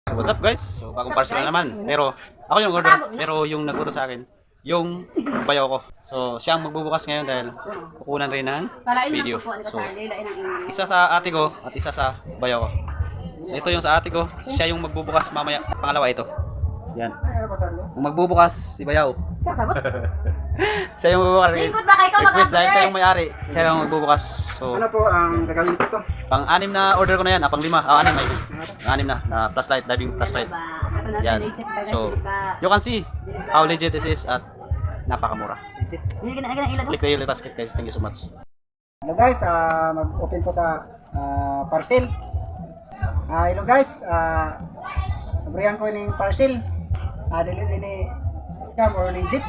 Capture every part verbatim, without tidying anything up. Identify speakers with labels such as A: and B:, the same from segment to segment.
A: So what's up guys? So bagong parcel na naman. Pero ako yung order. Pero yung nag-utos sa akin, yung bayaw ko. So siya ang magbubukas ngayon dahil kukunan rin ng video. So isa sa ate ko at isa sa bayaw ko. So ito yung sa ate ko. Siya yung magbubukas mamaya. Pangalawa ito. Yan. Kung magbubukas si bayaw. Siya yung magbubukas. Request dahil siya yung may-ari. Siya yung magbubukas. So
B: ano po ang gagawin ko to?
A: pang-anim na order ko na yan. Ah, pang-lima. Ah, anim. Pang-anim na. Na flashlight, diving flashlight. Yan. So, you can see how legit this is at napakamura.
B: Legit.
A: Click the yellow basket guys. Thank you so much.
B: Hello guys, uh, mag-open po sa uh, parcel. Ah, hello guys, ah uh, nabrihan ko yung parcel. Ah, delivery ni scam or legit.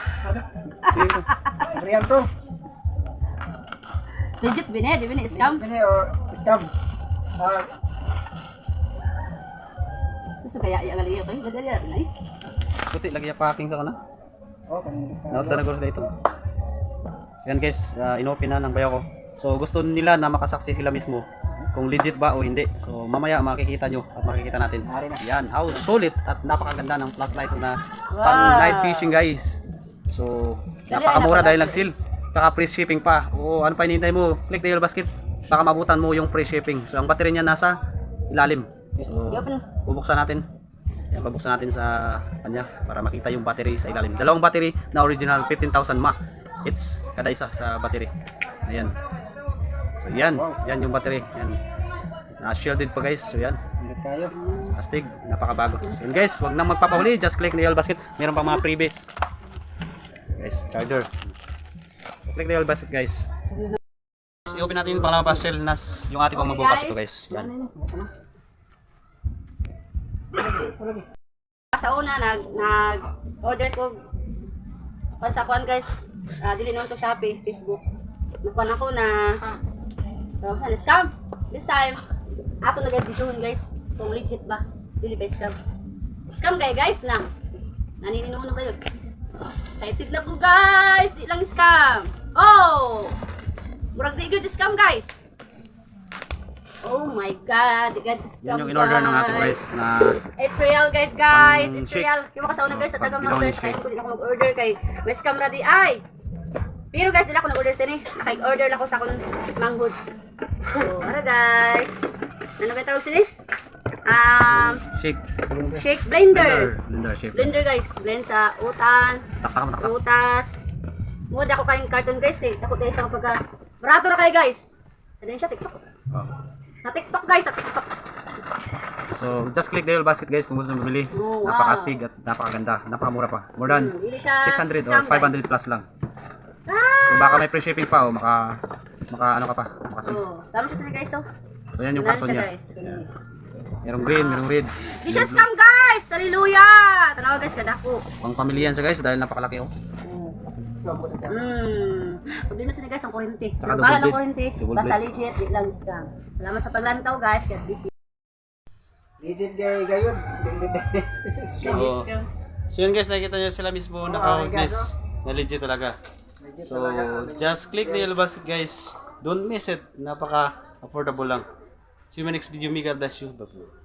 B: Nabrihan ko.
C: Legit bine, di bine scam.
B: Bine or scam. Ah,
C: Sa kaya ya gali kay gadali ay.
A: Puti lagi yung packing sa kana.
B: oh, kanina.
A: Nauta na sila ito. Yan guys, uh, inopen na ng bayaw ko. So gusto nila na makasaksi sila mismo kung legit ba o hindi. So mamaya makikita nyo at makikita natin. Yan, how solid at napakaganda ng flashlight na pang night fishing guys. So napakamura dahil nag-seal. Saka free shipping pa. O ano pa hinihintay mo? Click the yellow basket. Baka mabutan mo yung free shipping. So ang battery niya nasa ilalim. So bubuksan natin. Yan, babuksan natin sa kanya para makita yung battery sa ilalim. Dalawang battery na original fifteen thousand mAh. It's kada isa sa battery. Ayan. So yan, yan yung battery. Yan. Na-shielded pa guys. So yan.
B: Hindi kayo.
A: Astig, napakabago. So, yan guys, wag nang magpapahuli, just click the yellow basket. Meron pa mga freebies. Guys, charger. So, click the yellow basket guys. I-open natin yung pangalawang parcel na yung ate ko magbukas ito guys. Yan.
C: Sa una nag nag order ko pa sa kuan guys. Uh, dili nun to Shopee, Facebook. Nakuan ako na uh, saan scam. This time ato nag-videohon guys kung legit ba. Dili ba scam. Scam kay guys lang. Nanininuno kayo. Excited na po guys. Di lang scam. Oh! Murag di good scam guys. Oh my god, di god scam.
A: Yan yung in-order ng ate ko guys na
C: It's real guide guys.
A: Pang
C: It's
A: shake.
C: real. Yung mga kasauna guys sa tagang
A: Pang
C: mga guys.
A: shake.
C: Kaya ko din ako mag-order kay may scam ra di ay. Pero guys, dila ako nag-order sini. Naka-order lang ko sa akong manghod. So, ano guys? Ano ba tawag sini? Um,
A: shake.
C: shake blender.
A: Blender shake.
C: Blender guys. Blend sa utan,
A: Taktak mo taktak.
C: utas. Mud ako kain carton guys kay takot din siya kapag barato na kay guys. Ano siya TikTok?
A: Oh.
C: Sa TikTok guys, sa TikTok.
A: So, just click the yellow basket guys kung gusto nyo bumili.
C: Oh, wow.
A: Napakastig at napakaganda. Napakamura pa. More than
C: Hmm, hindi siya
A: six hundred or
C: scam,
A: five hundred
C: guys.
A: plus lang.
C: Ah!
A: So, baka may free shipping pa o maka, maka ano ka pa. Makasig.
C: Oh, tama siya sila guys oh.
A: So, yan yung
C: Wala
A: karton
C: siya,
A: niya.
C: guys.
A: Yan. Merong green, merong red.
C: Di siya scam guys! Hallelujah! Tanawa guys, kadako.
A: Pang pamilya yan siya guys dahil napakalaki oh.
C: Hmm. Problema sila guys ang kurente.
A: Tsaka
C: Pero bala
A: double
C: ng kurente,
A: blade. Double
C: basta
A: blade.
C: legit, di lang scam. Salamat sa paglantaw guys. God bless you.
B: Legit gay gayon.
A: So, so yun guys, nakikita nyo sila mismo naka-witness na legit talaga. So, just click the yellow basket guys. Don't miss it. Napaka-affordable lang. See you in my next video. May God bless you. Bye-bye.